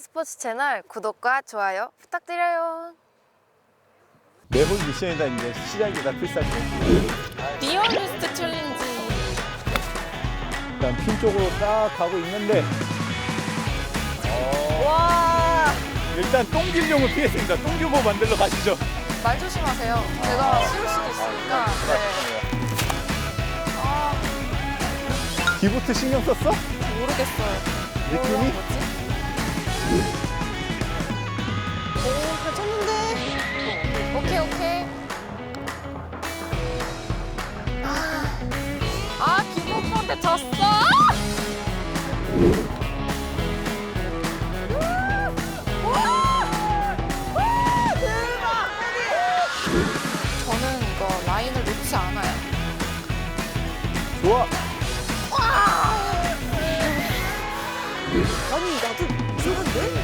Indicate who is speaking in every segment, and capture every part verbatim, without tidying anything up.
Speaker 1: 스포츠 채널 구독과 좋아요 부탁드려요.
Speaker 2: 매번 미션이다. 이제 시작이다. 필살기.
Speaker 1: 리얼리스트 챌린지.
Speaker 2: 일단 핀 쪽으로 딱 가고 있는데
Speaker 1: 와,
Speaker 2: 일단 똥길용을 피했습니다. 똥규모 만들러 가시죠.
Speaker 1: 말 조심하세요. 제가 씌울 수도 있으니까. 네. 아,
Speaker 2: 기부트 신경 썼어?
Speaker 1: 모르겠어요.
Speaker 2: 느낌이?
Speaker 1: 뭐라는 거지? 오, 괜찮은데? 오케이, 오케이. 아, 아 김호프한테 졌어? 저는 이거 라인을 놓지 않아요.
Speaker 2: 좋아.
Speaker 1: 아니, 나도 이상한데?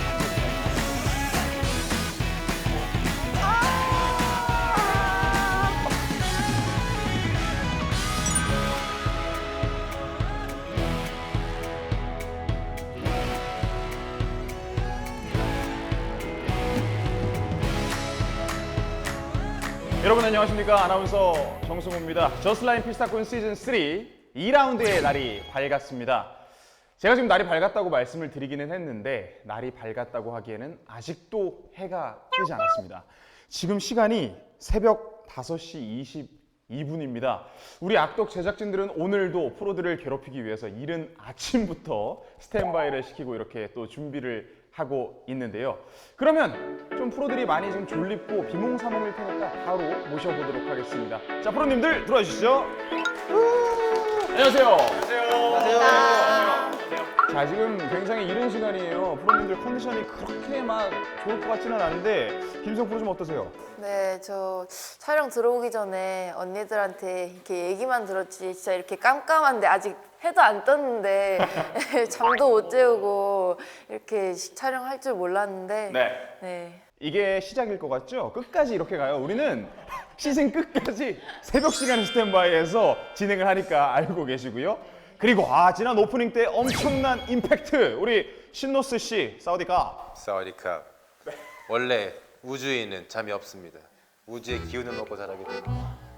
Speaker 3: 여러분 안녕하십니까. 아나운서 정승호입니다. 저스트라인 필사꾼 시즌 삼 이 라운드의 날이 밝았습니다. 제가 지금 날이 밝았다고 말씀을 드리기는 했는데 날이 밝았다고 하기에는 아직도 해가 뜨지 않았습니다. 지금 시간이 새벽 다섯 시 이십이 분입니다. 우리 악덕 제작진들은 오늘도 프로들을 괴롭히기 위해서 이른 아침부터 스탠바이를 시키고 이렇게 또 준비를 하고 있는데요. 그러면 좀 프로들이 많이 좀 졸립고 비몽사몽일 테니까 바로 모셔보도록 하겠습니다. 자, 프로님들 들어와 주시죠. 안녕하세요. 안녕하세요. 자, 지금 굉장히 이른 시간이에요. 프로님들 컨디션이 그렇게 막 좋을 것 같지는 않은데 김성 프로 좀 어떠세요?
Speaker 1: 네, 저 촬영 들어오기 전에 언니들한테 이렇게 얘기만 들었지 진짜 이렇게 깜깜한데 아직 해도 안 떴는데 잠도 못 재우고 이렇게 촬영할 줄 몰랐는데
Speaker 3: 네.
Speaker 1: 네.
Speaker 3: 이게 시작일 것 같죠? 끝까지 이렇게 가요. 우리는 시즌 끝까지 새벽 시간 스탠바이에서 진행을 하니까 알고 계시고요. 그리고 아 지난 오프닝 때 엄청난 임팩트 우리 신노스 씨 사우디가
Speaker 4: 사와디캅. 원래 우주에는 잠이 없습니다. 우주의 기운을 먹고 자라기 때문에.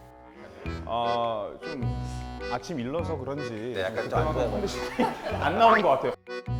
Speaker 3: 아좀 아침 일러서 그런지
Speaker 4: 네, 약간
Speaker 3: 그때만큼
Speaker 4: 좀안 좋아요.
Speaker 3: 컨디션이 안 나오는 것 같아요.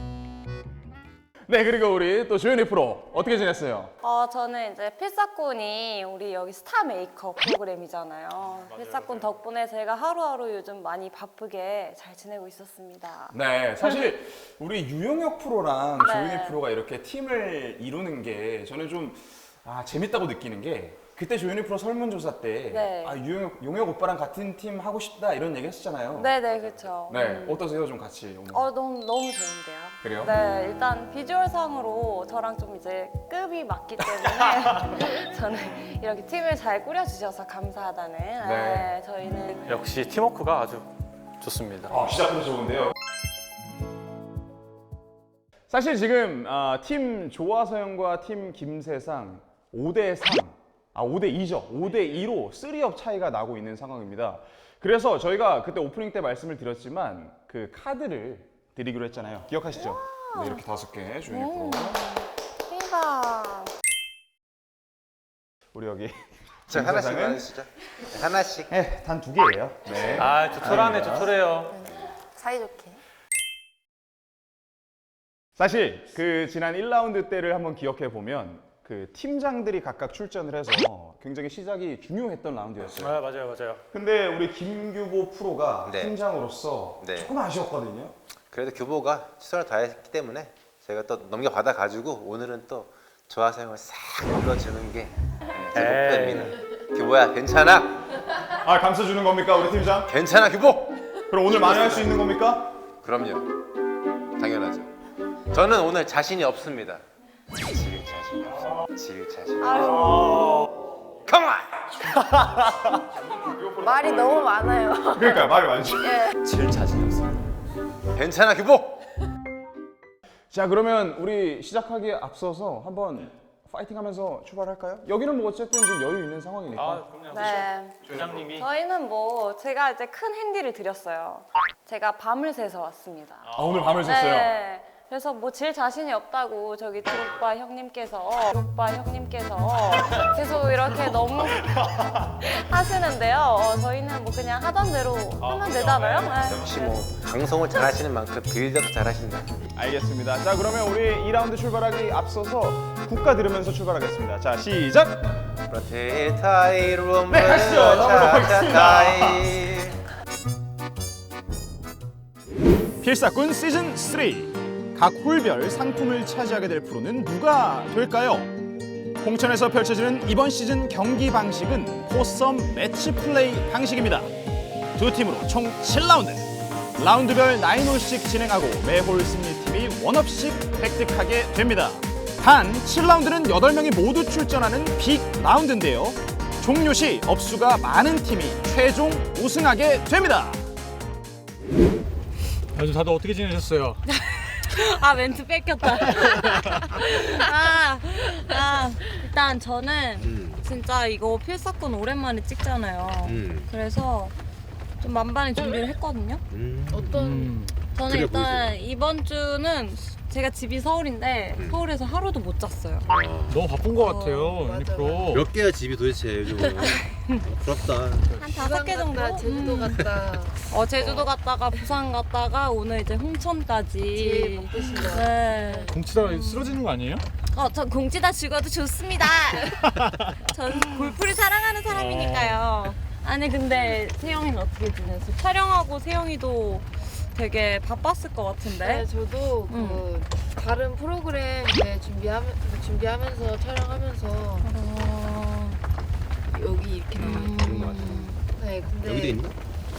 Speaker 3: 네, 그리고 우리 또 조현희 프로 어떻게 지냈어요?
Speaker 5: 어, 저는 이제 필사꾼이 우리 여기 스타 메이크업 프로그램이잖아요. 필사꾼 덕분에 제가 하루하루 요즘 많이 바쁘게 잘 지내고 있었습니다.
Speaker 3: 네, 사실 우리 유영혁 프로랑
Speaker 5: 네.
Speaker 3: 조현희 프로가 이렇게 팀을 이루는 게 저는 좀 아, 재밌다고 느끼는 게 그때 조현희 프로 설문조사 때
Speaker 5: 네.
Speaker 3: 아, 유영혁 용혁 오빠랑 같은 팀 하고 싶다 이런 얘기 했었잖아요.
Speaker 5: 네네, 그렇죠.
Speaker 3: 네, 어떠세요? 좀 같이 오늘?
Speaker 5: 어, 너무, 너무 좋은데요.
Speaker 3: 그래요?
Speaker 5: 네, 일단 비주얼상으로 저랑 좀 이제 급이 맞기 때문에 저는 이렇게 팀을 잘 꾸려주셔서 감사하다는 네, 저희는
Speaker 6: 역시 팀워크가 아주 좋습니다.
Speaker 3: 아, 시작부터 좋은데요. 사실 지금 아, 팀 조화서영과 팀 김세상 오 대 삼, 아 오 대 이죠. 오 대 이로 쓰리업 차이가 나고 있는 상황입니다. 그래서 저희가 그때 오프닝 때 말씀을 드렸지만 그 카드를 드리기로 했잖아요. 기억하시죠? 네, 이렇게 다섯 개 조현희 프로.
Speaker 5: 대박.
Speaker 4: 자,
Speaker 3: 우리 여기
Speaker 4: 하나씩
Speaker 3: 김사장은?
Speaker 4: 나누시죠. 네, 하나씩.
Speaker 3: 네, 단 두 개예요. 네.
Speaker 6: 아, 조촐하네, 조촐해요.
Speaker 1: 사이좋게.
Speaker 3: 사실 그 지난 일 라운드 때를 한번 기억해 보면 그 팀장들이 각각 출전을 해서 굉장히 시작이 중요했던 라운드였어요.
Speaker 6: 아, 맞아요, 맞아요.
Speaker 3: 근데 우리 김규보 프로가
Speaker 4: 네.
Speaker 3: 팀장으로서
Speaker 4: 네.
Speaker 3: 조금 아쉬웠거든요.
Speaker 4: 그래도 규보가 최선을 다했기 때문에 제가 또 넘겨받아 가지고 오늘은 또 조화사용을 싹 눌러주는 게 제
Speaker 6: 에이.
Speaker 4: 목표입니다. 규보야, 괜찮아?
Speaker 3: 아, 감싸주는 겁니까, 우리 팀장?
Speaker 4: 괜찮아, 규보!
Speaker 3: 그럼 오늘 만회할 수 있는 겁니까?
Speaker 4: 그럼요. 당연하죠. 저는 오늘 자신이 없습니다. 질 자신이 없어. 질 자신.
Speaker 5: 아유.
Speaker 4: 컴온!
Speaker 1: 말이 너무 많아요.
Speaker 3: 그러니까 말이 많죠.
Speaker 6: 질 자신이 없습니다.
Speaker 4: 괜찮아, 규보!
Speaker 3: 자, 그러면 우리 시작하기에 앞서서 한번 파이팅하면서 출발할까요? 여기는 뭐 어쨌든 지금 여유 있는 상황이니까.
Speaker 6: 아, 그럼요.
Speaker 5: 네.
Speaker 6: 조장님이
Speaker 5: 저희는 뭐 제가 이제 큰 핸디를 드렸어요. 제가 밤을 새서 왔습니다.
Speaker 3: 아, 오늘 밤을 샜어요.
Speaker 5: 네. 그래서 뭐 질 자신이 없다고 저기 드록바 형님께서 드록바 형님께서 계속 이렇게 너무 하시는데요. 어, 저희는 뭐 그냥 하던 대로 하면 되잖아요. 네.
Speaker 4: 역시 뭐 방송을 잘하시는 만큼 빌드업도 잘하신다.
Speaker 3: 알겠습니다. 자, 그러면 우리 이 라운드 출발하기 앞서서 국가 들으면서 출발하겠습니다. 자, 시작!
Speaker 4: 프로테타이로
Speaker 3: 네, 가시죠. 넘어가고
Speaker 4: 찾아가이.
Speaker 3: 필사꾼 시즌 삼. 각 홀별 상품을 차지하게 될 프로는 누가 될까요? 홍천에서 펼쳐지는 이번 시즌 경기 방식은 포섬 매치 플레이 방식입니다. 두 팀으로 총 칠 라운드. 라운드별 구 홀씩 진행하고 매홀 승리팀이 원업씩 획득하게 됩니다. 단 칠 라운드는 여덟 명이 모두 출전하는 빅 라운드인데요. 종료 시 업수가 많은 팀이 최종 우승하게 됩니다.
Speaker 2: 요즘 다들 어떻게 지내셨어요?
Speaker 5: 아 멘트 뺏겼다. 아, 아 일단 저는
Speaker 4: 음.
Speaker 5: 진짜 이거 필사꾼 오랜만에 찍잖아요.
Speaker 4: 음.
Speaker 5: 그래서 좀 만반의 준비를 했거든요.
Speaker 4: 음.
Speaker 1: 어떤
Speaker 5: 저는
Speaker 4: 그래
Speaker 5: 일단 이번 주는 제가 집이 서울인데
Speaker 4: 음.
Speaker 5: 서울에서 하루도 못 잤어요.
Speaker 2: 너무 바쁜 것 같아요,
Speaker 1: 맞아,
Speaker 2: 유니프로.
Speaker 7: 몇 개야 집이 도대체 요즘? 부럽다.
Speaker 5: 한 다섯 개 정도?
Speaker 1: 갔다, 제주도
Speaker 5: 음.
Speaker 1: 갔다.
Speaker 5: 어 제주도 갔다가 부산 갔다가 오늘 이제
Speaker 1: 제일
Speaker 5: 홍천까지.
Speaker 1: 먹고 싶다.
Speaker 5: 네.
Speaker 2: 공치다가 쓰러지는 거 아니에요?
Speaker 5: 어, 전 공지다 죽어도 좋습니다. 전 골프를 사랑하는 사람이니까요. 아니 근데 세영이는 어떻게 지냈어? 촬영하고 세영이도 되게 바빴을 것 같은데.
Speaker 1: 네, 저도 그 다른 프로그램 이제 준비하면 준비하면서 촬영하면서
Speaker 5: 어...
Speaker 1: 여기 이렇게 나와 있는 것 같아요. 네, 근데
Speaker 7: 여기도 있나?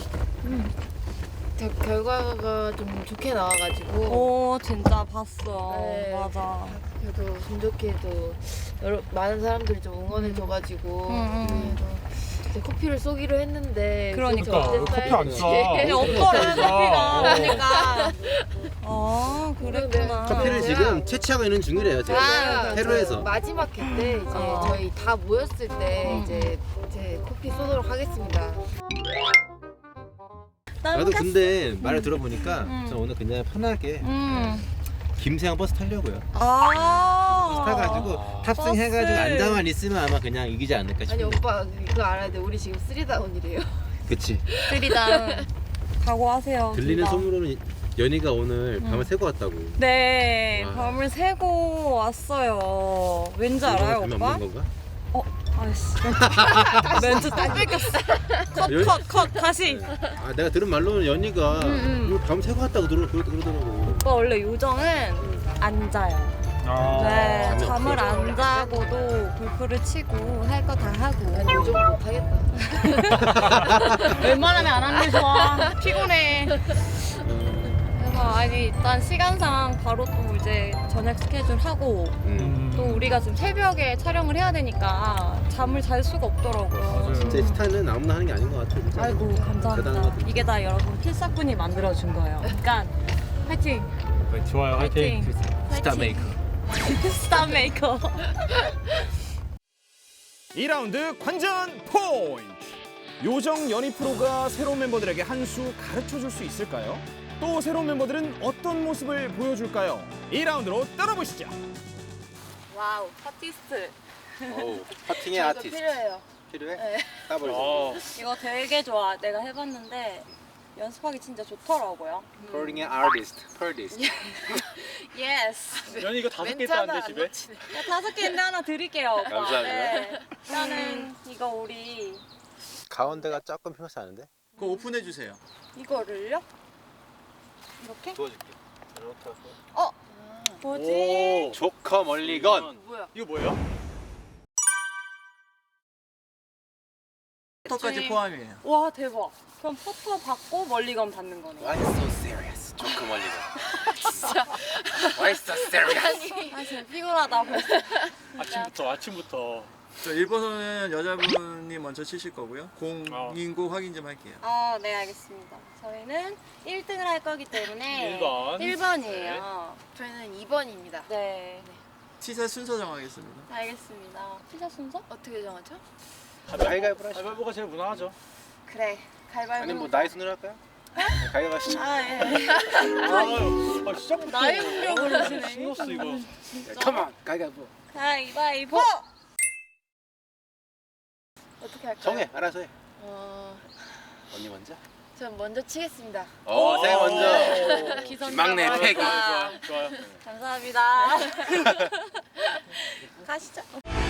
Speaker 1: 저 결과가 좀 좋게 나와가지고
Speaker 5: 오 진짜 봤어.
Speaker 1: 네.
Speaker 5: 맞아.
Speaker 1: 그래도 운 좋게도 여러 많은 사람들이 좀 응원해줘가지고
Speaker 5: 음, 음.
Speaker 1: 그래도 이제 커피를 쏘기로 했는데
Speaker 5: 그러니까.
Speaker 1: 좀
Speaker 2: 왜 커피 안 쏴?
Speaker 5: 근데 없더래 커피가. 그러니까. 아 그랬구나.
Speaker 7: 커피를
Speaker 1: 제가-
Speaker 7: 지금 채취하고 있는 중이래요 지금.
Speaker 1: 제가
Speaker 7: 페루에서.
Speaker 1: 저 마지막 회 때 이제
Speaker 5: 어.
Speaker 1: 저희 다 모였을 때
Speaker 5: 음.
Speaker 1: 이제 제 커피 쏘도록 하겠습니다.
Speaker 7: 나도 근데 말을 들어보니까
Speaker 5: 음.
Speaker 7: 저 오늘 그냥 편하게
Speaker 5: 음.
Speaker 7: 김세형 버스 타려고요.
Speaker 5: 아.
Speaker 7: 타가지고 탑승해가지고
Speaker 5: 버스.
Speaker 7: 앉아만 있으면 아마 그냥 이기지 않을까
Speaker 1: 아니
Speaker 7: 싶은데.
Speaker 1: 오빠 그거 알아야 돼. 우리 지금 쓰리다운이래요.
Speaker 7: 그치.
Speaker 5: 쓰리다운 각오하세요.
Speaker 7: 들리는
Speaker 5: 둘 다.
Speaker 7: 소문으로는 연희가 오늘 밤을 새고 왔다고.
Speaker 5: 네,
Speaker 7: 와.
Speaker 5: 밤을 새고 왔어요. 왠지 알아요,
Speaker 7: 밤에
Speaker 5: 오빠?
Speaker 7: 없는 건가?
Speaker 5: 어, 아이씨. 멘트 딱 뺏겼어. 컷,
Speaker 7: 연-
Speaker 5: 컷, 컷, 다시.
Speaker 7: 아 내가 들은 말로는 연희가
Speaker 5: 음.
Speaker 7: 오늘 밤 새고 왔다고 그러, 그러, 그러더라고.
Speaker 5: 오빠 원래 요정은 안 자요.
Speaker 2: 아.
Speaker 5: 네,
Speaker 7: 잠이
Speaker 5: 잠을
Speaker 7: 없어서.
Speaker 5: 안 자고도 골프를 치고 할 거 다 하고.
Speaker 1: 아니 요즘 못하겠다.
Speaker 5: 웬만하면 안 하는 게 좋아. 피곤해. 그래서 아니 일단 시간상 바로 또 이제 저녁 스케줄 하고
Speaker 7: 음.
Speaker 5: 또 우리가 지금 새벽에 촬영을 해야 되니까 잠을 잘 수가 없더라고요.
Speaker 2: 맞아요.
Speaker 7: 진짜 스타는 아무나 하는 게 아닌 것 같아. 진짜.
Speaker 5: 아이고
Speaker 7: 대단한 것
Speaker 5: 감사합니다.
Speaker 7: 같아.
Speaker 5: 이게 다 여러분 필사꾼이 만들어준 거예요. 그러니까 화이팅!
Speaker 2: 네, 좋아요, 화이팅.
Speaker 5: 화이팅!
Speaker 7: 스타 메이커.
Speaker 5: 스타 메이커.
Speaker 3: 이 라운드 관전 포인트! 요정 연희 프로가 새로운 멤버들에게 한 수 가르쳐줄 수 있을까요? 또 새로운 멤버들은 어떤 모습을 보여줄까요? 이 라운드로 따라보시죠.
Speaker 5: 와우, 파티스트.
Speaker 7: 어우, 퍼팅의
Speaker 1: 이거
Speaker 7: 아티스트.
Speaker 1: 필요해요.
Speaker 7: 필요해?
Speaker 1: 네.
Speaker 7: 까버리자.
Speaker 2: 어.
Speaker 5: 이거 되게 좋아. 내가 해봤는데 연습하기 진짜 좋더라고요.
Speaker 7: 퍼팅의 아티스트. 퍼디스트.
Speaker 5: 예스.
Speaker 2: 연이 이거 다섯 개
Speaker 1: 멘트 하나
Speaker 2: 있다는데
Speaker 1: 안
Speaker 2: 집에?
Speaker 1: 놓치네.
Speaker 5: 야, 다섯 개인데 하나 드릴게요. 오빠.
Speaker 7: 감사합니다.
Speaker 5: 네. 일단은 이거 우리
Speaker 4: 가운데가 조금 휘어싸는데?
Speaker 7: 그거 오픈해 주세요.
Speaker 5: 이거를요? 이렇게?
Speaker 7: 도와줄게.
Speaker 5: 어? 뭐지?
Speaker 7: 조커 멀리건.
Speaker 1: 뭐야?
Speaker 2: 이거 뭐예요?
Speaker 7: 포터까지 포함이에요.
Speaker 5: 와 대박. 그럼 포터 받고 멀리건 받는 거네.
Speaker 7: Why so serious? 조커 멀리건. 진짜. Why so serious?
Speaker 5: 아 진짜 피곤하다 벌써.
Speaker 2: 아침부터, 아침부터.
Speaker 8: 저 일 번은 여자분이 먼저 치실 거고요. 공인고 확인 좀 할게요.
Speaker 5: 아, 네 알겠습니다. 저희는 일 등을 할 거기 때문에
Speaker 2: 일 번.
Speaker 5: 일 번이에요.
Speaker 1: 저희는 이 번입니다.
Speaker 5: 네.
Speaker 8: 티샷 순서 정하겠습니다.
Speaker 5: 알겠습니다. 피자 순서?
Speaker 1: 어떻게 정하죠?
Speaker 7: 가위바위보 하시죠.
Speaker 2: 가위바위보가 제일 무난하죠.
Speaker 5: 그래. 가위바위보.
Speaker 7: 아니 뭐 나이 순으로 할까요?
Speaker 4: 가져가시죠.
Speaker 5: 아 예.
Speaker 2: 아유, 아, 시작부터
Speaker 5: 나이 공격을 하시네.
Speaker 2: 신났어 이거.
Speaker 7: 컴온 가위바위보.
Speaker 5: 가위바위보.
Speaker 1: 어떻게 할까요?
Speaker 4: 정해, 알아서 해.
Speaker 1: 어,
Speaker 4: 언니 먼저.
Speaker 1: 전 먼저 치겠습니다.
Speaker 7: 어 제가 먼저.
Speaker 5: 기선제압
Speaker 7: 막내
Speaker 5: 하겠다.
Speaker 7: 패기.
Speaker 2: 좋아요.
Speaker 5: 감사합니다. 가시죠.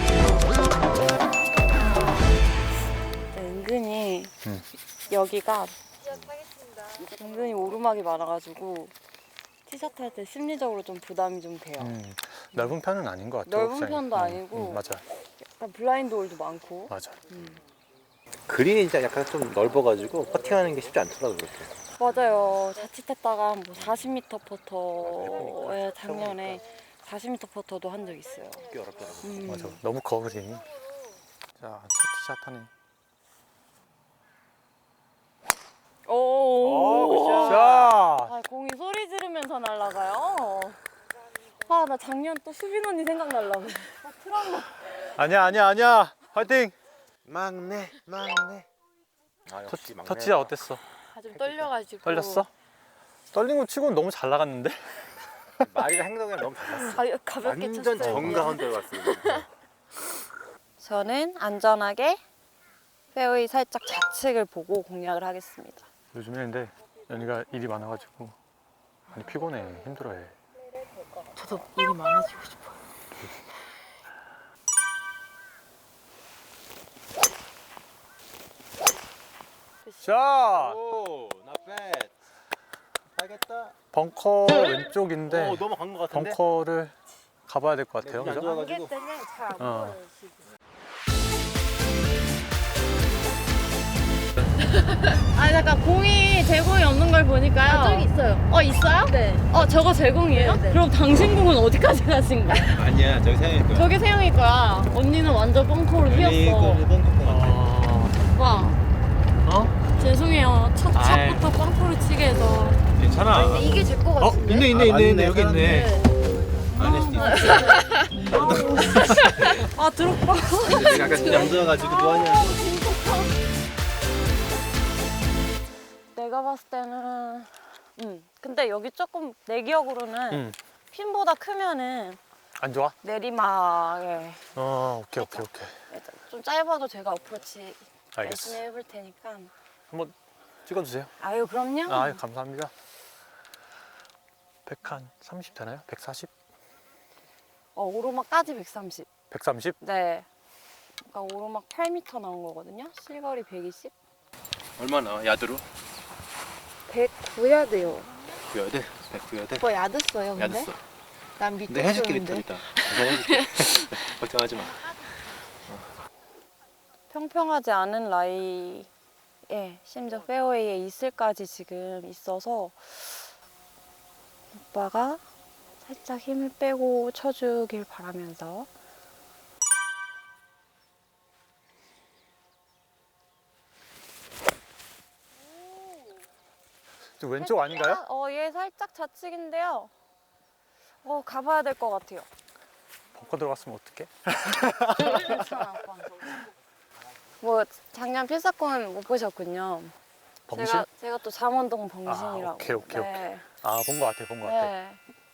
Speaker 5: 네, 은근히 여기가 은근히 오르막이 많아가지고 티셔츠 할 때 심리적으로 좀 부담이 좀 돼요.
Speaker 9: 음, 넓은 편은 아닌 것 같아요.
Speaker 5: 넓은
Speaker 9: 옥상이.
Speaker 5: 편도
Speaker 9: 음,
Speaker 5: 아니고.
Speaker 9: 음, 맞아,
Speaker 5: 약간 블라인드 홀도 많고.
Speaker 9: 맞아.
Speaker 4: 그린이 진짜 약간 좀 넓어가지고 퍼팅하는 게 쉽지 않더라고 그렇게.
Speaker 5: 맞아요. 자칫했다가 뭐 사십 미터 퍼터에 작년에 사십 미터 퍼터도 한 적 있어요.
Speaker 4: 꽤 어렵더라고.
Speaker 5: 음.
Speaker 9: 맞아. 너무 거그린. 자, 첫 티샷 하네.
Speaker 5: 오.
Speaker 9: 자,
Speaker 5: 아, 공이 소리 지르면서 날아가요. 아, 나 작년 또 수빈 언니 생각날라고. 아, 트라우마.
Speaker 9: 아니야, 아니야, 아니야. 화이팅.
Speaker 4: 막내, 막내. 아,
Speaker 9: 첫,
Speaker 4: 역시 막내.
Speaker 9: 첫 티샷 어땠어?
Speaker 1: 아, 좀 떨려가지고.
Speaker 9: 떨렸어? 떨린 거 치고는 너무 잘 나갔는데?
Speaker 4: 말이랑 행동이랑 너무 달랐어.
Speaker 5: 아, 가볍게
Speaker 4: 완전
Speaker 5: 쳤어요.
Speaker 4: 정가운데 갔어.
Speaker 5: 저는 안전하게 페어웨이 살짝 좌측을 보고 공략을 하겠습니다.
Speaker 9: 요즘에 근데 연희가 일이 많아가지고 많이 피곤해, 힘들어해.
Speaker 1: 저도 일이 많아지고 싶어요.
Speaker 9: 자,
Speaker 4: 오, not bad. 알겠다.
Speaker 9: 벙커 왼쪽인데
Speaker 4: 오, 넘어간 것 같은데.
Speaker 9: 벙커를 가봐야 될 것 같아요.
Speaker 4: 네,
Speaker 9: 그죠?
Speaker 4: 좋아가지고.
Speaker 1: 때문에 잘안
Speaker 9: 어.
Speaker 1: 보여요, 지금.
Speaker 5: 아, 잠깐 공이 제공이 없는 걸 보니까요.
Speaker 1: 아, 저기 있어요.
Speaker 5: 어, 있어요?
Speaker 1: 네.
Speaker 5: 어, 저거 제공이에요?
Speaker 1: 네, 네.
Speaker 5: 그럼 당신 공은 어디까지 가신 거야?
Speaker 4: 아니야, 저기 생일 거야.
Speaker 5: 저게 세영이 거야. 언니는 완전 뻥커로 휘었어.
Speaker 4: 일본 것 같아.
Speaker 5: 오빠,
Speaker 9: 어?
Speaker 5: 죄송해요. 첫
Speaker 9: 아이.
Speaker 5: 샷부터 뻥커로 치게 해서.
Speaker 9: 괜찮아.
Speaker 1: 근데 이게 제 거 같은데.
Speaker 9: 있네, 있네, 있네, 있네. 여기 있네.
Speaker 4: 안에
Speaker 5: 아, 드롭바.
Speaker 4: 약간 얌전해가지고 뭐하냐.
Speaker 5: 내가 봤을 때는, 음. 근데 여기 조금 내 기억으로는
Speaker 9: 응.
Speaker 5: 핀보다 크면은
Speaker 9: 안 좋아?
Speaker 5: 내리막에
Speaker 9: 어, 오케이, 오케이, 오케이.
Speaker 5: 좀 짧아도 제가 어프로치
Speaker 9: 알겠어.
Speaker 5: 열심히 해볼 테니까.
Speaker 9: 한번 찍어주세요.
Speaker 5: 아유, 그럼요.
Speaker 9: 아, 감사합니다. 백 한 삼십 되나요? 백사십?
Speaker 5: 어, 오르막까지 백삼십.
Speaker 9: 백삼십?
Speaker 5: 네. 그러니까 오르막 팔 미터 나온 거거든요. 실거리 백이십.
Speaker 7: 얼마나 야드로?
Speaker 1: 백구 야드요.
Speaker 7: 구여야 돼. 백구여야 돼.
Speaker 1: 오빠 야드 써요, 근데?
Speaker 7: 야드 써.
Speaker 1: 난 밑에
Speaker 4: 내가 해줄게
Speaker 1: 쓰는데.
Speaker 4: 리터 이따. 내가 해줄게. 걱정하지 마.
Speaker 5: 평평하지 않은 라이에 심지어 페어웨이에 이슬까지 지금 있어서 오빠가 살짝 힘을 빼고 쳐주길 바라면서.
Speaker 9: 저 왼쪽 아닌가요?
Speaker 5: 어, 얘 살짝 좌측인데요. 어, 가봐야 될 것 같아요.
Speaker 9: 벙커 들어갔으면 어떡해?
Speaker 5: 괜찮아, 오빠. 뭐 작년 필사권 못 보셨군요.
Speaker 9: 범신?
Speaker 5: 제가 제가 또 잠원동 범신이라고.
Speaker 9: 아, 오케이, 오케이,
Speaker 5: 네.
Speaker 9: 아, 본 것 같아, 본 것 같아.
Speaker 5: 네.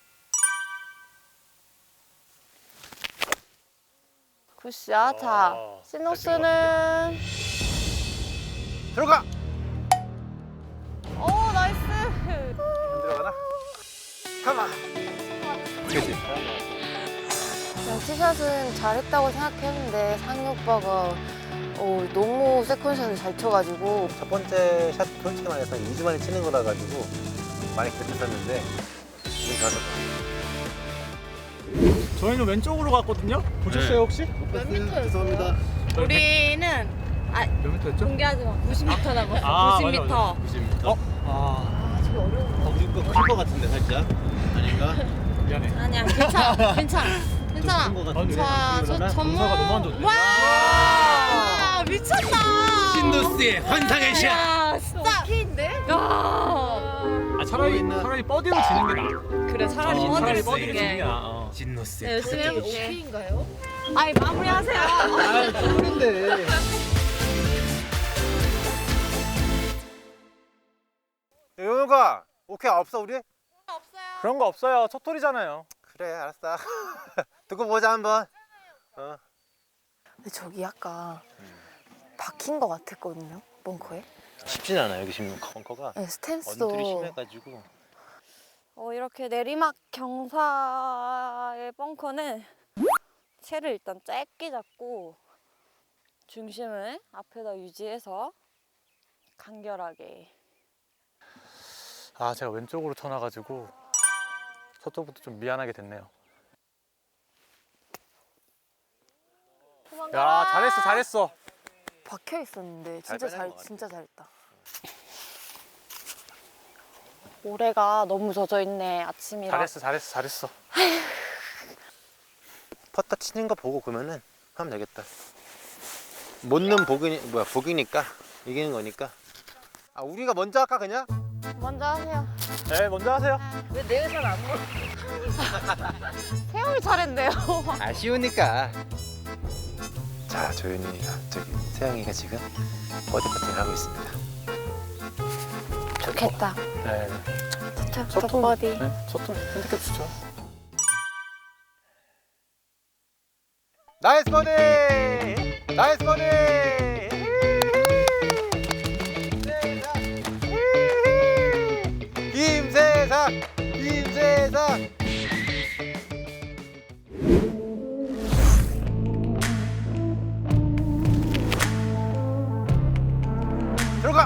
Speaker 5: 굿샷. 자,
Speaker 9: 아,
Speaker 5: 시노스는
Speaker 4: 들어가.
Speaker 5: 오, 나이스.
Speaker 4: 안 들어가나? 가만. 그렇지.
Speaker 1: 그냥 티샷은 잘했다고 생각했는데 상희 오빠가 어, 너무 세컨샷을 잘 쳐가지고
Speaker 4: 첫 번째 샷 솔직히 말해서 이 주 만에 치는 거라 가지고 많이 get했었는데 지금 가서
Speaker 2: 저희는 왼쪽으로 갔거든요. 보셨어요 혹시?
Speaker 1: 몇 미터였어요?
Speaker 4: 죄송합니다.
Speaker 5: 우리는 아
Speaker 2: 몇 미터였죠?
Speaker 5: 공개하지 마. 구십 미터 남았어.
Speaker 2: 아,
Speaker 5: 구십
Speaker 2: 맞아,
Speaker 5: 미터.
Speaker 4: 구십 미터.
Speaker 2: 어? 아,
Speaker 4: 어, 우리 거클것 같은데 살짝. 아닌가?
Speaker 2: 미안해.
Speaker 5: 아니야, 괜찮아, 괜찮아, 괜찮아.
Speaker 4: 큰거
Speaker 2: 아,
Speaker 4: 같은데.
Speaker 5: 자, 저 전문.
Speaker 2: 공사가 너무 안 좋네.
Speaker 5: 와, 미쳤다.
Speaker 7: 신도스의 환상의 샷.
Speaker 5: 야, 진짜.
Speaker 1: 오케이인데?
Speaker 5: 야.
Speaker 2: 아, 차라리 차라리 버디로 지는 게 나아.
Speaker 5: 그래, 차라리
Speaker 2: 어, 차라리
Speaker 5: 버디를
Speaker 2: 버디로
Speaker 5: 쓰게.
Speaker 2: 지는 게 나아. 어.
Speaker 7: 신노스의
Speaker 5: 열심히 해볼게.
Speaker 1: 오케이인가요?
Speaker 5: 아이, 마무리하세요.
Speaker 2: 아, 그런데.
Speaker 4: 누가? 오케이 없어 우리?
Speaker 9: 그런 거 없어요. 첫 톨이잖아요.
Speaker 4: 그래 알았어. 두고 보자 한번. 어.
Speaker 1: 근데 저기 아까 박힌 거 같았거든요, 벙커에.
Speaker 4: 쉽진 않아 여기 지금 벙커가.
Speaker 1: 네, 스탠스도
Speaker 4: 언들이 심해가지고.
Speaker 5: 어, 이렇게 내리막 경사의 벙커는 채를 일단 짧게 잡고 중심을 앞에다 유지해서 간결하게.
Speaker 9: 아, 제가 왼쪽으로 쳐놔가지고 첫 톨부터 좀 미안하게 됐네요. 야, 잘했어, 잘했어.
Speaker 1: 박혀 있었는데
Speaker 4: 잘
Speaker 1: 진짜
Speaker 4: 빼낸
Speaker 1: 잘
Speaker 4: 것 같아.
Speaker 1: 진짜 잘했다.
Speaker 5: 모래가 너무 젖어 있네, 아침이라.
Speaker 9: 잘했어, 잘했어, 잘했어.
Speaker 4: 퍼터 치는 거 보고 그러면은 하면 되겠다. 못 넣으면 복이 뭐야 복이니까 이기는 거니까. 아 우리가 먼저 할까 그냥?
Speaker 1: 먼저 하세요.
Speaker 9: 네, 먼저 하세요.
Speaker 1: 왜 내가 잘 안 먹어? 태영이 잘했네요.
Speaker 4: 아쉬우니까. 자 조윤이가 저기 세영이가 지금 버디 퍼팅을 하고 있습니다.
Speaker 5: 좋겠다.
Speaker 9: 네,
Speaker 5: 첫,
Speaker 9: 첫
Speaker 5: 첫
Speaker 9: 톨.
Speaker 5: 버디.
Speaker 9: 네, 첫 톨 핸디캡 좋죠.
Speaker 4: 나이스 버디! 나이스 버디! 김세상! 김세상! 들어가!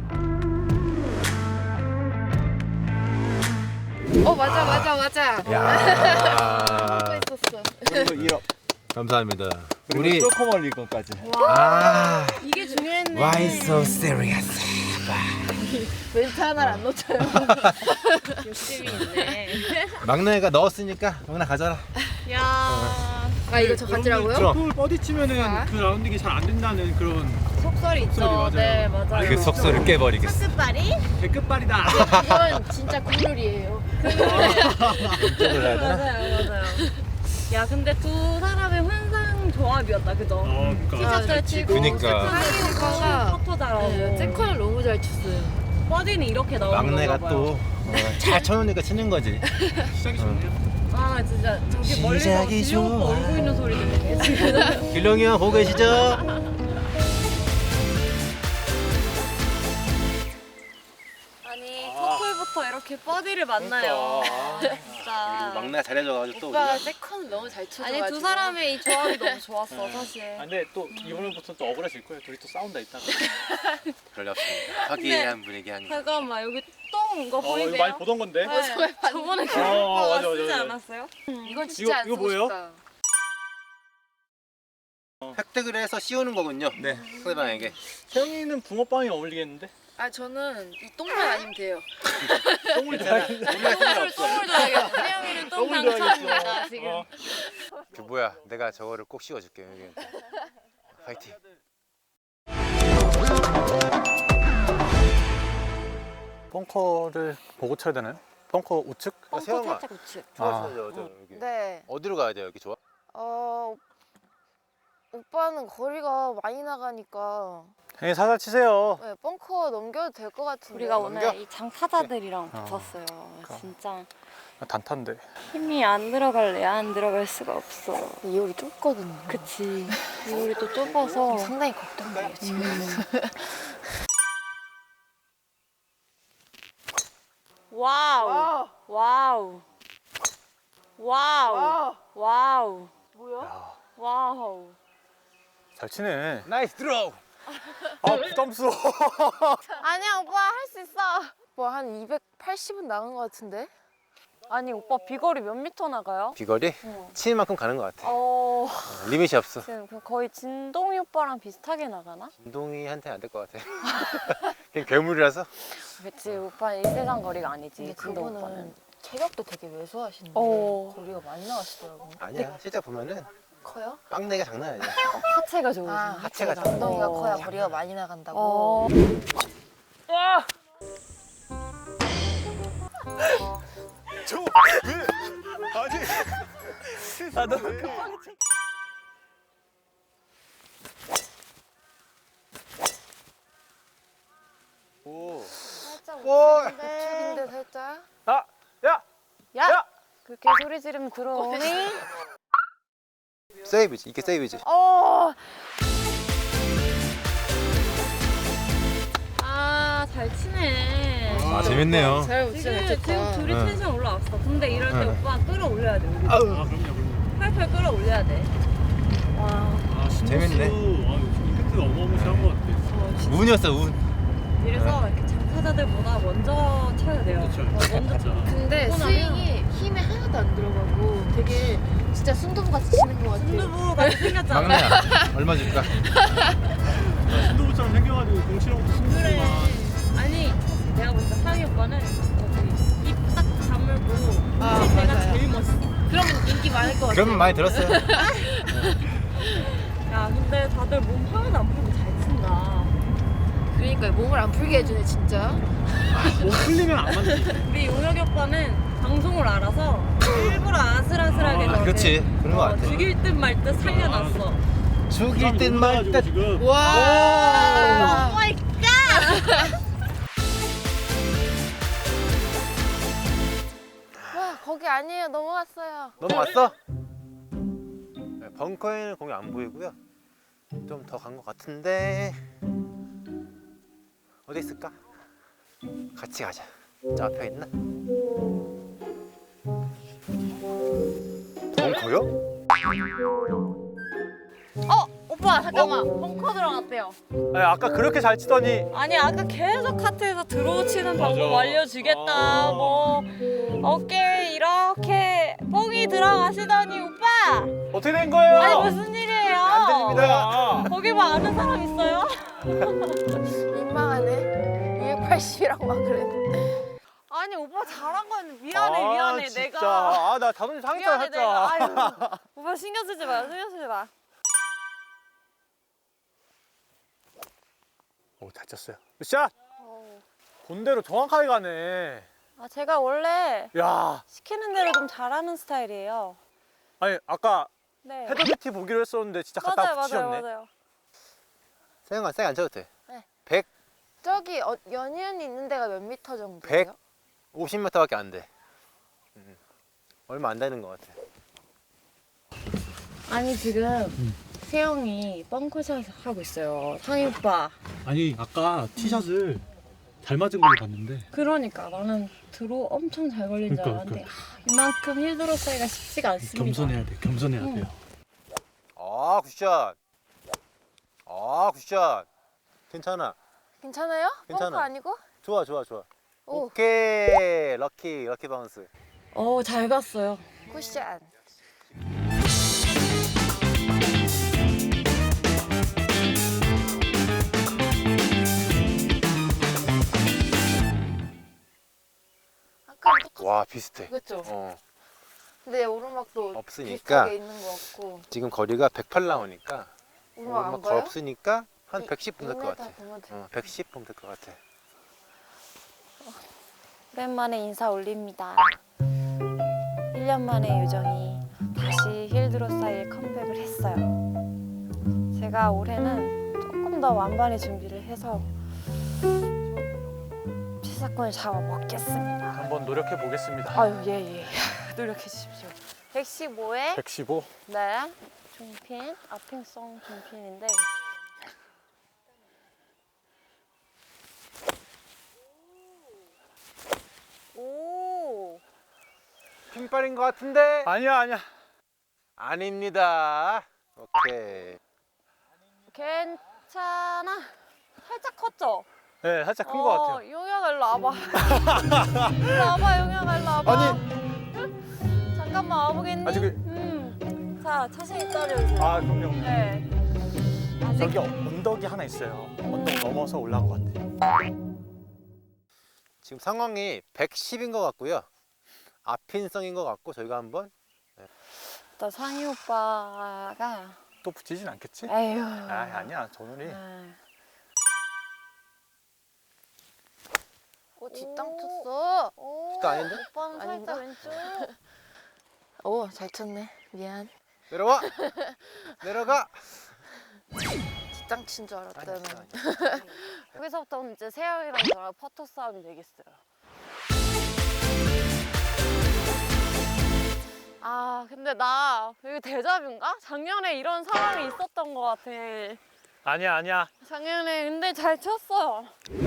Speaker 1: 어 맞아 맞아 맞아.
Speaker 4: 야.
Speaker 1: 하고 있었어.
Speaker 4: 감사합니다. 우리
Speaker 2: 쪼커멀리 건까지.
Speaker 4: 아,
Speaker 1: 이게 중요했네.
Speaker 4: why so serious?
Speaker 1: 멘트 하나를 안 놓쳐요.
Speaker 5: 욕심이 있네.
Speaker 4: 막내가 넣었으니까 영나 가져라.
Speaker 5: 야.
Speaker 1: 아 이거 저 가지라고요?
Speaker 2: 톨 버디 치면은 그 라운딩이 잘 안 된다는 그런
Speaker 5: 속설이 있죠.
Speaker 2: 속설이 맞아요.
Speaker 5: 네, 맞아요.
Speaker 4: 그 속설을 깨버리겠어.
Speaker 5: 끝발이?
Speaker 2: 개끝발이다.
Speaker 1: 이건 진짜 국룰이에요.
Speaker 4: 이쪽을 해야 되나?
Speaker 5: 맞아요, 맞아요. 야, 근데 두 사람의 환상 조합이었다, 그죠?
Speaker 2: 어, 그러니까.
Speaker 5: 티셔츠를 치고,
Speaker 4: 그니까.
Speaker 5: 상의 오빠가 퍼터 잘하고,
Speaker 1: 네, 세컨을 너무 잘 쳤어요.
Speaker 5: 버디는 이렇게 나오는
Speaker 4: 막내가
Speaker 5: 건가
Speaker 4: 또
Speaker 5: 봐요.
Speaker 4: 잘 쳐놓으니까 치는 거지.
Speaker 2: 시작이 좋네요.
Speaker 5: 아, 진짜 저기 멀리서
Speaker 4: 시작이
Speaker 5: 진료 오빠
Speaker 4: 좋아.
Speaker 5: 울고 있는 소리 들리네, 지금.
Speaker 4: 길렁이 형 보고 계시죠?
Speaker 5: 아니, 첫홀부터 이렇게 버디를 만나요. 진짜.
Speaker 4: 막내가 잘해줘가지고 또
Speaker 1: 오빠가
Speaker 4: 우리가
Speaker 1: 세컨을 너무 잘 쳐줘가지고.
Speaker 5: 아니, 두 사람의 이 조합이 너무 좋았어, 사실.
Speaker 2: 아, 근데 또 이번부터 또 억울해질 거예요. 둘이 또 싸운다 이따가.
Speaker 4: 별일 없습니다. 화기애애한 분위기 항상.
Speaker 5: 잠깐만, 여기 똥 이거
Speaker 2: 어,
Speaker 5: 보이세요?
Speaker 2: 이거 많이 보던 건데.
Speaker 5: 네. 저번에 그
Speaker 2: 어,
Speaker 5: 오빠가
Speaker 2: 맞아, 맞아,
Speaker 5: 쓰지
Speaker 2: 맞아.
Speaker 5: 않았어요?
Speaker 1: 이건 진짜
Speaker 2: 이거-
Speaker 1: 안
Speaker 2: 이거
Speaker 1: 쓰고
Speaker 2: 뭐예요?
Speaker 1: 싶다.
Speaker 4: 획득을 해서 씌우는 거군요.
Speaker 2: 네.
Speaker 4: 상대방에게.
Speaker 2: 세영이는 붕어빵이 어울리겠는데?
Speaker 1: 아 저는 이 똥만 아니면 돼요.
Speaker 2: 똥을
Speaker 4: 괜찮아.
Speaker 2: 좋아해.
Speaker 4: 우리가 상관없어.
Speaker 1: 똥을 줘야겠어. 태영이는 똥
Speaker 2: 똥을
Speaker 1: 당첨입니다
Speaker 2: 좋아하겠어.
Speaker 1: 지금.
Speaker 2: 어.
Speaker 4: 그 뭐야? 내가 저거를 꼭 씌워줄게. 여기. 파이팅.
Speaker 9: 벙커를 보고 쳐야 되나요? 벙커 우측?
Speaker 4: 아, 세영아.
Speaker 5: 살짝 우측.
Speaker 4: 좋았어,
Speaker 9: 아.
Speaker 4: 저, 저, 여기.
Speaker 1: 네.
Speaker 4: 어디로 가야 돼요? 여기 좋아?
Speaker 1: 어 오빠는 거리가 많이 나가니까
Speaker 9: 형님 살살 치세요.
Speaker 1: 네, 벙커 넘겨도 될 것 같은데.
Speaker 5: 우리가
Speaker 4: 넘겨?
Speaker 5: 오늘 이 장타자들이랑
Speaker 9: 어.
Speaker 5: 붙었어요.
Speaker 9: 그러니까.
Speaker 5: 진짜
Speaker 9: 단탄데.
Speaker 5: 힘이 안 들어갈래 안 들어갈 수가 없어.
Speaker 1: 이 홀이 좁거든요.
Speaker 5: 그치. 이 우리 또 좁아서.
Speaker 1: 상당히 걱정돼요 지금.
Speaker 5: 와우. 와우. 와우. 와우.
Speaker 9: 야,
Speaker 5: 와우.
Speaker 9: 잘 치네.
Speaker 4: 나이스 드로우.
Speaker 9: 아, 부담스러워.
Speaker 1: 아니야 오빠 할 수 있어. 뭐 한 이백팔십은 나간 것 같은데?
Speaker 5: 아니 오빠 비거리 몇 미터 나가요?
Speaker 4: 비거리? 치는 만큼 가는 것 같아.
Speaker 5: 어.
Speaker 4: 어, 리밋이 없어.
Speaker 5: 지금 그 거의 진동이 오빠랑 비슷하게 나가나?
Speaker 4: 운동이한테 안 될 것 같아. 그냥 괴물이라서.
Speaker 5: 그치 오빠는 일 세상 거리가 아니지
Speaker 1: 근데
Speaker 5: 진동
Speaker 1: 그분은
Speaker 5: 오빠는.
Speaker 1: 체력도 되게 왜소하시는데
Speaker 5: 어.
Speaker 1: 거리가 많이 나가시더라고요.
Speaker 4: 아니야. 실제 보면은
Speaker 1: 커요?
Speaker 4: 빵내가 장난 아니야.
Speaker 5: 하체가 좋으신.
Speaker 1: 아
Speaker 4: 하체가
Speaker 1: 하체가 엉덩이가
Speaker 5: 어.
Speaker 1: 커야 거리가 많이 나간다고.
Speaker 5: 어.
Speaker 2: 저 왜? 아니. 나도 급하게 쳐.
Speaker 4: 오.
Speaker 1: 살짝
Speaker 4: 오.
Speaker 1: 우측인데.
Speaker 5: 소리 지르면 들어오니?
Speaker 4: 세이브지. 이게 세이브지.
Speaker 5: 어. 아, 잘 치네.
Speaker 4: 아, 재밌네요.
Speaker 1: 잘
Speaker 5: 지금,
Speaker 1: 진짜
Speaker 5: 지금
Speaker 1: 좋다.
Speaker 5: 둘이
Speaker 4: 응.
Speaker 5: 텐션 올라왔어. 근데 이럴 때
Speaker 4: 응.
Speaker 5: 오빠 끌어올려야 돼. 우리.
Speaker 4: 아우.
Speaker 9: 아, 그럼요, 그럼요.
Speaker 5: 팔팔 끌어올려야 돼. 와.
Speaker 9: 아,
Speaker 4: 재밌네.
Speaker 9: 아, 임팩트가 어마어마한 것 같아.
Speaker 5: 어, 진짜.
Speaker 4: 운이었어, 운.
Speaker 5: 이래서 이렇게 장타자들보다 먼저 쳐야 돼요.
Speaker 9: 그렇죠.
Speaker 5: 어, 먼저
Speaker 9: 진짜.
Speaker 1: 근데
Speaker 5: 하고 나면-
Speaker 1: 스윙이 힘이 하나도 안 들어가고 되게 진짜 순두부같이 치는 것 같아.
Speaker 5: 순두부 같이 생겼잖아.
Speaker 4: 막내야. 얼마 줄까?
Speaker 9: 순두부처럼 생겨가지고 공치라고
Speaker 5: 그래.
Speaker 9: 순두부만.
Speaker 5: 아니 내가 볼 때 상희 오빠는 입 딱 다물고
Speaker 1: 아,
Speaker 5: 칠 때가
Speaker 1: 맞아요.
Speaker 5: 제일 멋있어.
Speaker 1: 그러면 인기 많을 것 같아.
Speaker 4: 그러면 많이 들었어요.
Speaker 5: 야 근데 다들 몸 하나도 안 풀고 잘 친다.
Speaker 1: 그러니까 몸을 안 풀게 해주네 진짜.
Speaker 9: 몸 풀리면 안 맞지.
Speaker 5: 우리 용혁이 오빠는 방송을 알아서 일부러 아슬아슬하게
Speaker 9: 아,
Speaker 5: 저를
Speaker 4: 그렇지. 그런 거
Speaker 5: 어,
Speaker 4: 같아.
Speaker 5: 죽일 듯 말 듯 살려놨어.
Speaker 4: 죽일 듯 말 듯.
Speaker 9: 지금.
Speaker 1: 와.
Speaker 5: 오 마이 갓!
Speaker 1: 와 거기 아니에요. 넘어갔어요.
Speaker 4: 넘어왔어? 네, 벙커에는 공이 안 보이고요. 좀 더 간 것 같은데 어디 있을까? 같이 가자. 저 앞에 있나? 벙커요?
Speaker 5: 어 오빠 잠깐만 벙커 들어갔대요.
Speaker 9: 아니, 아까 그렇게 잘 치더니.
Speaker 5: 아니 아까 계속 카트에서 드로우 치는 방법 알려주겠다. 뭐 어깨 이렇게 뽕이 들어가시더니 오빠.
Speaker 9: 어떻게 된 거예요?
Speaker 5: 아니 무슨 일이에요?
Speaker 4: 안 들립니다.
Speaker 5: 거기 뭐 아는 사람 있어요?
Speaker 1: 민망하네. 이백팔십이라고 막 그랬는데.
Speaker 5: 아니 오빠 잘한 건 미안해
Speaker 9: 아,
Speaker 5: 미안해
Speaker 9: 진짜.
Speaker 5: 내가
Speaker 9: 아, 나 자존심 상했잖아,
Speaker 5: 미안해 내가
Speaker 9: 살짝.
Speaker 5: 아유, 오빠 신경 쓰지 마 신경 쓰지 마.
Speaker 9: 오, 잘 쳤어요. 샷! 본대로 정확하게 가네.
Speaker 5: 아 제가 원래
Speaker 9: 야,
Speaker 5: 시키는 대로 좀 잘하는 스타일이에요.
Speaker 9: 아니, 아까
Speaker 5: 네.
Speaker 9: 헤더비티 보기로 했었는데 진짜
Speaker 5: 맞아요
Speaker 9: 갖다
Speaker 5: 맞아요
Speaker 9: 붙이셨네.
Speaker 5: 맞아요.
Speaker 4: 세영아, 세게 안 쳐도 돼.
Speaker 1: 네.
Speaker 4: 백
Speaker 1: 저기 어, 연희연이 있는 데가 몇 미터 정도예요?
Speaker 4: 백오십 미터밖에 안 돼. 음, 얼마 안 되는 것 같아.
Speaker 5: 아니 지금 세영이 뻥커샷 하고 있어요. 상희 오빠.
Speaker 9: 아니, 아까 티샷을 잘 맞은 걸로 봤는데.
Speaker 5: 그러니까 나는 드로 엄청 잘 걸린 줄
Speaker 9: 그러니까,
Speaker 5: 알았는데 하, 이만큼 힐드로 사이가 쉽지가 않습니다.
Speaker 9: 겸손해야 돼, 겸손해야
Speaker 5: 응.
Speaker 9: 돼요.
Speaker 4: 아, 굿샷. 아, 굿샷. 괜찮아.
Speaker 1: 괜찮아요?
Speaker 4: 괜찮아.
Speaker 1: 펑크 아니고?
Speaker 4: 좋아, 좋아, 좋아.
Speaker 1: 오.
Speaker 4: 오케이. 럭키, 럭키 바운스.
Speaker 5: 어, 잘 갔어요.
Speaker 1: 굿샷. 아까 똑같
Speaker 4: 와, 비슷해.
Speaker 1: 그렇죠.
Speaker 4: 어.
Speaker 1: 근데 오르막도
Speaker 4: 없으니까.
Speaker 1: 비슷하게 있는 것 같고.
Speaker 4: 지금 거리가 백팔 나오니까
Speaker 1: 오르막 안
Speaker 4: 오르막
Speaker 1: 가요?
Speaker 4: 없으니까 한
Speaker 1: 이-
Speaker 4: 백십 보면 될 것 같아.
Speaker 1: 이 미터 보면 돼.
Speaker 4: 어, 백십 보면 될 것 같아.
Speaker 5: 오랜만에 인사 올립니다. 일 년 만에 요정이 다시 힐드로 사이에 컴백을 했어요. 제가 올해는 조금 더 완반의 준비를 해서 시사권을 잡아먹겠습니다.
Speaker 9: 한번 노력해 보겠습니다.
Speaker 5: 아유 예예 노력해 주십시오. 백십오에
Speaker 9: 백십오.
Speaker 5: 네 중핀 아핑성 중핀인데 오
Speaker 4: 핀발인 것 같은데?
Speaker 9: 아니야, 아니야.
Speaker 4: 아닙니다. 오케이.
Speaker 5: 괜찮아. 살짝 컸죠?
Speaker 9: 네, 살짝 큰 것 같아요.
Speaker 5: 어, 용혁아 일로 와봐. 일로 와봐, 용혁아 일로 와봐.
Speaker 9: 아니.
Speaker 5: 잠깐만 와보겠니?
Speaker 9: 아직 그-
Speaker 5: 음. 자, 자신 있다 그래주세요.
Speaker 9: 아, 그럼요.
Speaker 5: 네. 아직
Speaker 9: 저기 언덕이 하나 있어요. 언덕 넘어서 올라간 것 같아요.
Speaker 4: 지금 상황이 백십인 것 같고요. 앞핀성인 것 같고 저희가 한번
Speaker 5: 또 상희 오빠가
Speaker 9: 또 붙이진 않겠지?
Speaker 5: 에휴.
Speaker 9: 아, 아니야. 저 눈이.
Speaker 5: 아,
Speaker 1: 오 뒷땅 쳤어.
Speaker 5: 오,
Speaker 4: 또 아닌데?
Speaker 5: 오빠는
Speaker 1: 아닌가?
Speaker 5: 살짝 왼쪽.
Speaker 1: 오 잘 쳤네. 미안.
Speaker 4: 내려와. 내려가.
Speaker 1: 뒷땅 친 줄 알았다면.
Speaker 4: 아니, 아니.
Speaker 5: 여기서부터는 이제 세영이랑 저랑 퍼터 싸움이 되겠어요. 아 근데 나 여기 데자뷰인가? 작년에 이런 상황이 있었던 것 같아.
Speaker 9: 아니야 아니야.
Speaker 5: 작년에 근데 잘 쳤어.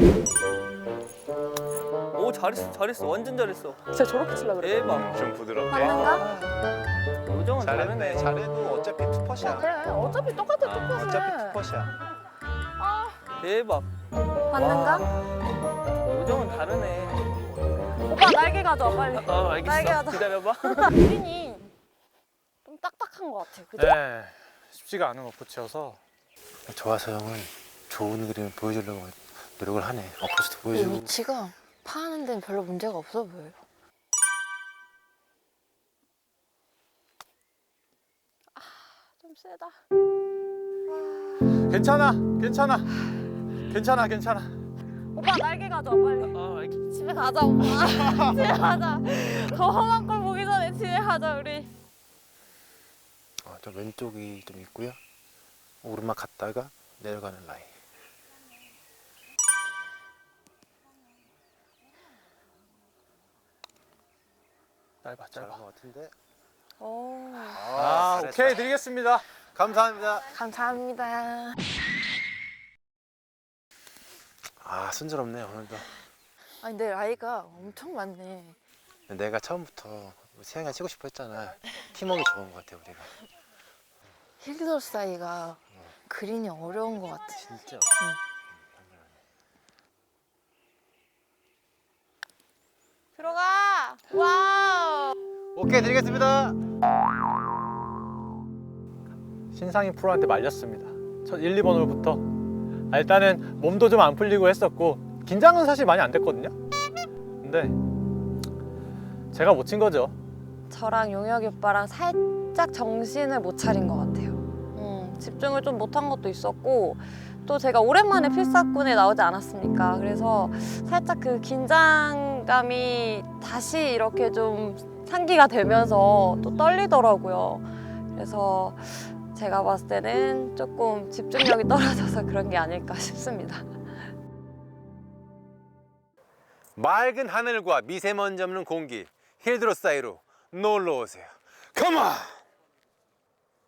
Speaker 7: 오 잘했어 잘했어 완전 잘했어.
Speaker 1: 진짜 저렇게 치려고 그래.
Speaker 7: 대박.
Speaker 6: 좀 부드럽게.
Speaker 5: 맞는가?
Speaker 7: 요정은
Speaker 4: 잘했네.
Speaker 7: 잘했네.
Speaker 4: 잘해도 어차피 투퍼시야.
Speaker 1: 그래 어차피 똑같아 똑같아.
Speaker 4: 어차피 투퍼시야.
Speaker 7: 대박.
Speaker 5: 맞는가?
Speaker 7: 요정은 다르네.
Speaker 5: 오빠 날개 가져와 빨리.
Speaker 7: 아 알겠어.
Speaker 5: 날개 하자.
Speaker 7: 기다려봐.
Speaker 5: 그린이 좀 딱딱한 것 같아. 그죠?
Speaker 9: 네. 쉽지가 않은 어프치여서
Speaker 4: 좋아서 형은 좋은 그림을 보여주려고 노력을 하네. 어퍼스도
Speaker 1: 이
Speaker 4: 보여주고.
Speaker 1: 위치가 파하는 데는 별로 문제가 없어 보여요.
Speaker 5: 좀 세다.
Speaker 9: 괜찮아 괜찮아 괜찮아 괜찮아.
Speaker 5: 오빠 날개 가져와 빨리.
Speaker 7: 아 알겠어.
Speaker 5: 집에 가자 오빠. 집에 가자. 더 험한 걸 보기 전에 집에 가자 우리.
Speaker 4: 어, 좀 왼쪽이 좀 있고요. 오르막 갔다가 내려가는 라인.
Speaker 9: 짧아
Speaker 4: 짧은
Speaker 9: 짧아.
Speaker 4: 것 같은데.
Speaker 5: 오.
Speaker 9: 아
Speaker 4: 잘했다.
Speaker 9: 오케이 드리겠습니다.
Speaker 4: 감사합니다.
Speaker 1: 감사합니다.
Speaker 4: 아 순조롭네 오늘도.
Speaker 1: 아니 내 나이가 엄청 많네.
Speaker 4: 내가 처음부터 세영이가 치고 싶어 했잖아. 팀워크 좋은 것 같아 우리가.
Speaker 1: 힐더 사이가 그린이 어려운 것 같아.
Speaker 4: 진짜.
Speaker 5: 들어가. 와우.
Speaker 4: 오케이 드리겠습니다.
Speaker 9: 신상인 프로한테 말렸습니다. 첫 일, 이 번 홀부터 아, 일단은 몸도 좀 안 풀리고 했었고 긴장은 사실 많이 안 됐거든요. 근데 제가 못 친 거죠.
Speaker 5: 저랑 용혁이 오빠랑 살짝 정신을 못 차린 것 같아요. 음, 집중을 좀 못한 것도 있었고 또 제가 오랜만에 필사꾼에 나오지 않았습니까? 그래서 살짝 그 긴장감이 다시 이렇게 좀 상기가 되면서 또 떨리더라고요. 그래서 제가 봤을 때는 조금 집중력이 떨어져서 그런 게 아닐까 싶습니다.
Speaker 4: 맑은 하늘과 미세먼지 없는 공기 힐드로 사이로 놀러 오세요. 컴온!